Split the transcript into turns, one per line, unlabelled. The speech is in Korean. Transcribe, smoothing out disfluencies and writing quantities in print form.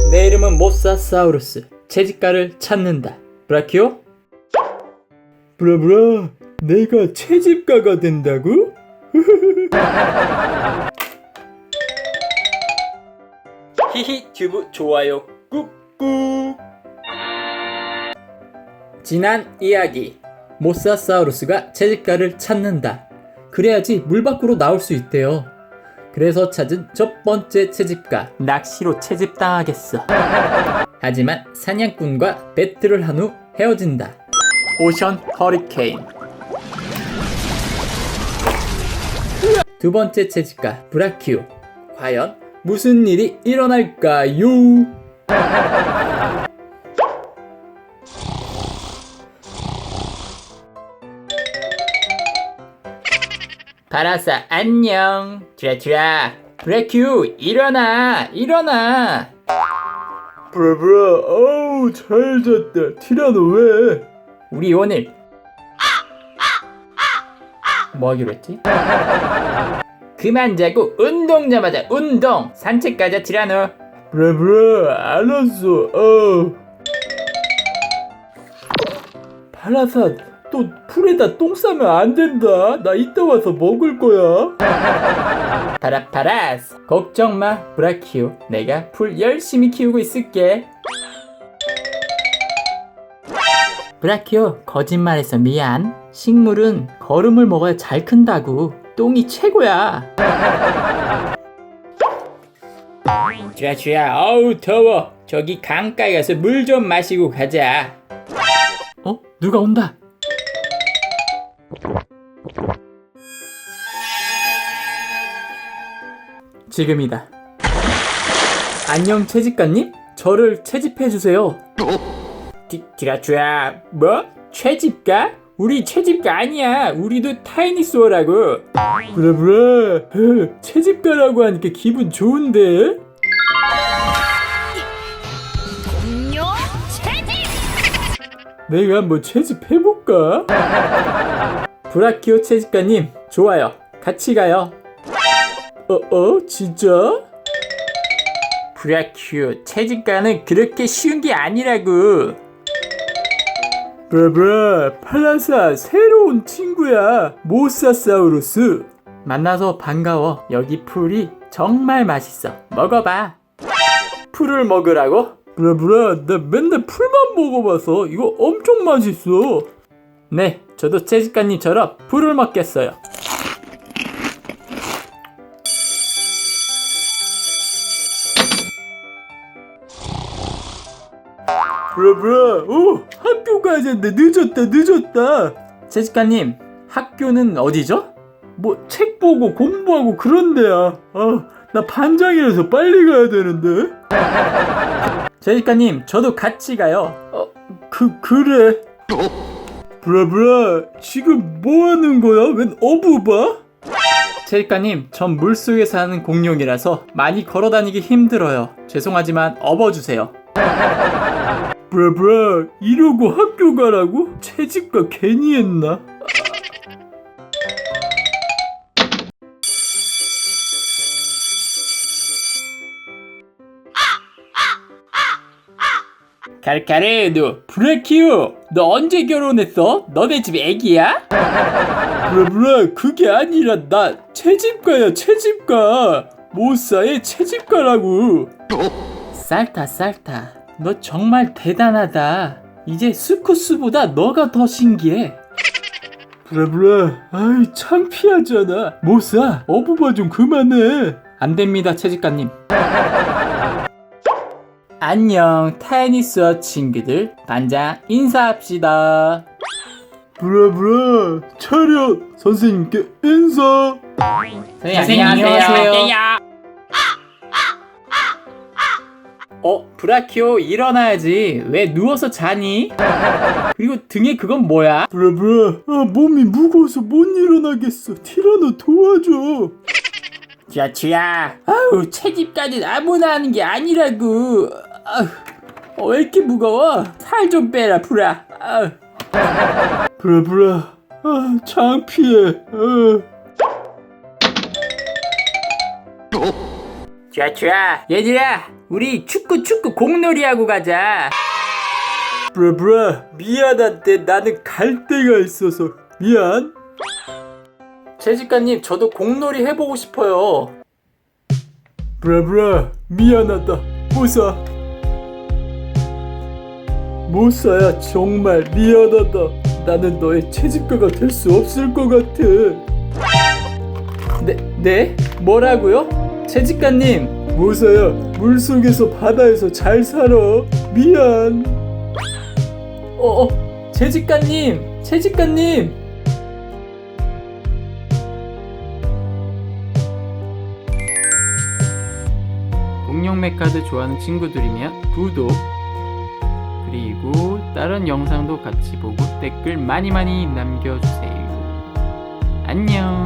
내 이름은 모사사우루스. 채집가를 찾는다. 브라키오?
브라브라, 내가 채집가가 된다고?
히히 튜브 좋아요 꾹꾹. 지난 이야기. 모사사우루스가 채집가를 찾는다. 그래야지 물 밖으로 나올 수 있대요. 그래서 찾은 첫 번째 채집가, 낚시로 채집당하겠어. 하지만 사냥꾼과 배틀을 한 후 헤어진다. 오션 허리케인. 두 번째 채집가, 브라키오. 과연 무슨 일이 일어날까요? 바라사 안녕. 드라큘라. 브라키오 일어나.
브라브라, 어우 잘 잤다. 티라노 왜?
우리 오늘 뭐 하기로 했지? 그만 자고 운동 좀 하자. 운동. 산책 가자 티라노.
브라브라, 알았어. 파라사, 또 풀에다 똥 싸면 안 된다. 나 이따 와서 먹을 거야.
파라파라스. 걱정 마 브라키오. 내가 풀 열심히 키우고 있을게. 브라키오, 거짓말해서 미안. 식물은 거름을 먹어야 잘 큰다고. 똥이 최고야. 드라큘라, 어우 더워. 저기 강가에 가서 물 좀 마시고 가자. 누가 온다. 지금이다. 안녕 채집가님? 저를 채집해주세요. 드라큘라, 뭐? 채집가? 우리 채집가 아니야. 우리도 타이니소어라고.
브라브라, 채집가라고 하니까 기분 좋은데?
공룡 채집!
내가 한번 채집해볼까?
브라키오 채집가님, 좋아요. 같이 가요.
진짜?
브라키오, 채집가는 그렇게 쉬운 게 아니라고.
브라브라, 팔라사 새로운 친구야. 모사사우루스.
만나서 반가워. 여기 풀이 정말 맛있어. 먹어봐. 풀을 먹으라고?
브라브라, 나 맨날 풀만 먹어봐서 이거 엄청 맛있어.
네, 저도 채집가님처럼 풀을 먹겠어요.
브라브라, 학교 가야 되는데 늦었다.
채집가님, 학교는 어디죠?
뭐 책 보고 공부하고 그런 데야. 나 반장이라서 빨리 가야 되는데.
채집가님, 저도 같이 가요.
그래. 브라브라, 지금 뭐 하는 거야? 웬 어부바?
채집가님, 전 물속에 사는 공룡이라서 많이 걸어다니기 힘들어요. 죄송하지만 업어주세요.
브라브라, 이러고 학교 가라고? 채집가 괜히 했나?
칼카레도, 브라키오, 너 언제 결혼했어? 너네 집 애기야?
브라브라, 그게 아니라 나 채집가야, 채집가. 모사의 채집가라고.
쌀타, 너 정말 대단하다. 이제 스쿠스보다 너가 더 신기해.
브라브라, 아이 창피하잖아. 모사, 어부바 좀 그만해.
안 됩니다, 채집가님. 안녕, 타이니스워 친구들. 반장 인사합시다.
브라브라, 차렷. 선생님께 인사.
선생님, 안녕하세요. 브라키오, 일어나야지. 왜 누워서 자니? 그리고 등에 그건 뭐야?
브라브라, 몸이 무거워서 못 일어나겠어. 티라노 도와줘.
드라큘라, 아우, 채집까지 아무나 하는 게 아니라고. 왜 이렇게 무거워? 살 좀 빼라, 브라.
브라브라, 창피해.
좋아. 얘들아, 우리 축구 공놀이 하고 가자.
브라브라, 미안한데 나는 갈 데가 있어서 미안.
채집가님, 저도 공놀이 해보고 싶어요.
브라브라, 미안하다. 모사야, 정말 미안하다. 나는 너의 채집가가 될 수 없을 것 같아.
네? 뭐라고요? 채집가님.
모사야, 물속에서 바다에서 잘 살아. 미안.
채집가님. 공룡 메카드 좋아하는 친구들이면 구독, 그리고 다른 영상도 같이 보고 댓글 많이 남겨주세요. 안녕.